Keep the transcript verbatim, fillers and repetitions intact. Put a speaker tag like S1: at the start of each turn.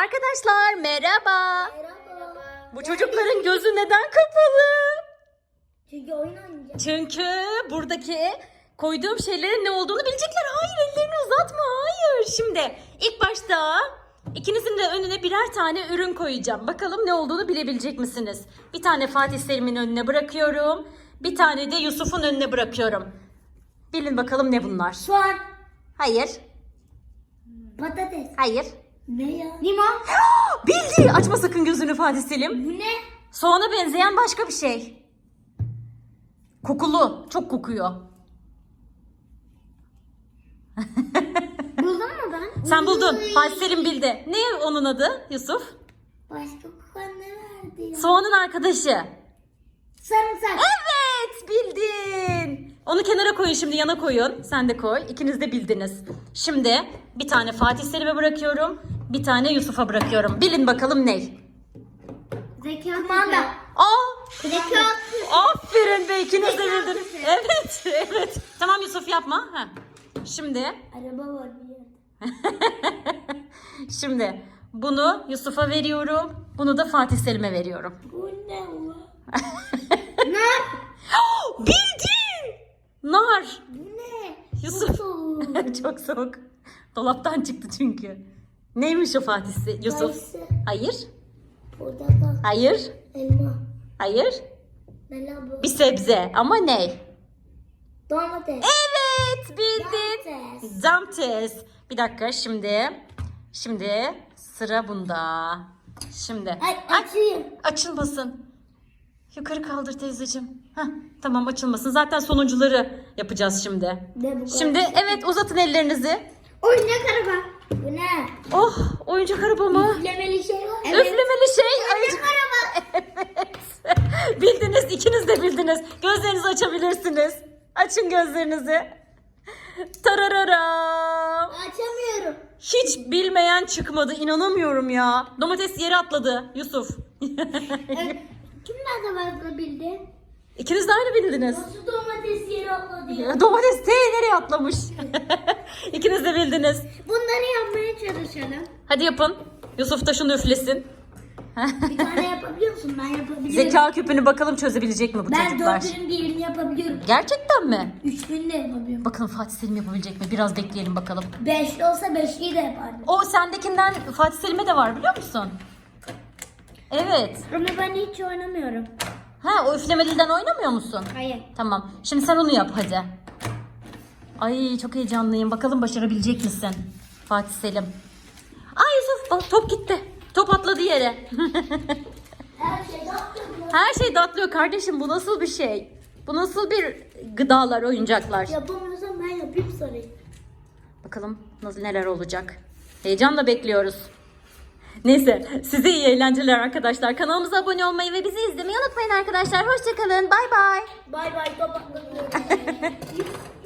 S1: Arkadaşlar merhaba.
S2: Merhaba.
S1: Bu çocukların gözü neden kapalı?
S2: Çünkü oyun oynayacağım.
S1: Çünkü buradaki koyduğum şeylerin ne olduğunu bilecekler. Hayır, ellerini uzatma. Hayır. Şimdi ilk başta ikinizin de önüne birer tane ürün koyacağım. Bakalım ne olduğunu bilebilecek misiniz? Bir tane Fatih Selim'in önüne bırakıyorum. Bir tane de Yusuf'un önüne bırakıyorum. Bilin bakalım ne bunlar?
S2: Soğan.
S1: Hayır.
S2: Patates.
S1: Hayır.
S2: Ne ya? Limon.
S1: Bildi. Açma sakın gözünü Fatih Selim.
S2: Bu ne?
S1: Soğana benzeyen başka bir şey. Kokulu. Çok kokuyor.
S2: Buldun mu ben?
S1: Sen buldun.
S2: Uy.
S1: Fatih Selim bildi. Ne onun adı Yusuf?
S2: Başka kokan ne verdi ya?
S1: Soğanın arkadaşı.
S2: Sarımsak.
S1: Evet, bildin. Onu kenara koyun, şimdi yana koyun. Sen de koy. İkiniz de bildiniz. Şimdi bir tane Fatih Selim'e bırakıyorum. Bir tane Yusuf'a bırakıyorum. Bilin bakalım ne?
S2: Zeka. Kumanda.
S1: Aa!
S2: Zeka.
S1: Aferin be, ikiniz de bildiniz. Evet, evet. Tamam Yusuf, yapma. Ha. Şimdi
S2: Araba var bir yerde.
S1: Şimdi bunu Yusuf'a veriyorum. Bunu da Fatih Selim'e veriyorum.
S2: Bu ne ulan? Ne?
S1: Bildin! Nar.
S2: Bu ne?
S1: Yusuf.
S2: Soğuk.
S1: Çok soğuk. Dolaptan çıktı çünkü. Neymiş o Fatih Se- Yusuf?
S2: Kayısı.
S1: Hayır.
S2: Portakal.
S1: Hayır.
S2: Elma.
S1: Hayır.
S2: Ne lan bu?
S1: Bir sebze ama ne?
S2: Domates.
S1: Evet, bildin.
S2: Domates.
S1: Domates. Bir dakika şimdi. Şimdi sıra bunda. Şimdi.
S2: Ay açayım.
S1: Açılmasın. Yukarı kaldır teyzeciğim. Heh, tamam, açılmasın. Zaten sonuncuları yapacağız şimdi.
S2: Ne bu?
S1: Şimdi evet, uzatın ellerinizi.
S2: Oyuncak araba. Bu ne?
S1: Oh, oyuncak araba mı?
S2: Üflemeli şey var.
S1: Üflemeli şey.
S2: Oyuncak araba.
S1: Evet. Bildiniz, ikiniz de bildiniz. Gözlerinizi açabilirsiniz. Açın gözlerinizi. Tarararam.
S2: Açamıyorum.
S1: Hiç bilmeyen çıkmadı. İnanamıyorum ya. Domates yere atladı Yusuf.
S2: E, Kim nerede fazla bildi?
S1: İkiniz de aynı bildiniz.
S2: Nasıl domates yere atladı ya?
S1: Domates T nereye atlamış? İkiniz de bildiniz.
S2: Bunları yapmaya çalışalım.
S1: Hadi yapın. Yusuf da şunu üflesin.
S2: Bir tane yapabiliyor musun? Ben yapabiliyorum.
S1: Zeka küpünü bakalım çözebilecek mi bu
S2: Ben
S1: çocuklar?
S2: dördünün birini yapabiliyorum.
S1: Gerçekten mi?
S2: Üçünü de yapabiliyorum.
S1: Bakalım Fatih Selim yapabilecek mi? Biraz bekleyelim bakalım.
S2: Beşli olsa beşliyi de yapardım.
S1: O sendekinden Fatih Selim'e de var, biliyor musun? Evet.
S2: Ama ben hiç oynamıyorum.
S1: Ha, o üflemeliden oynamıyor musun?
S2: Hayır.
S1: Tamam. Şimdi sen onu yap hadi. Ay, çok heyecanlıyım. Bakalım başarabilecek misin Fatih Selim? Ay Yusuf, bak, top gitti. Top atladı yere.
S2: Her şey yaptım.
S1: Her şey dağıtılıyor kardeşim. Bu nasıl bir şey? Bu nasıl bir gıdalar, oyuncaklar?
S2: Yapamıyorsam ben yapayım sorayım.
S1: Bakalım nasıl, neler olacak. Heyecanla bekliyoruz. Neyse, size iyi eğlenceler arkadaşlar. Kanalımıza abone olmayı ve bizi izlemeyi unutmayın arkadaşlar. Hoşçakalın. Bay bay.
S2: Bay bay. Kapattım.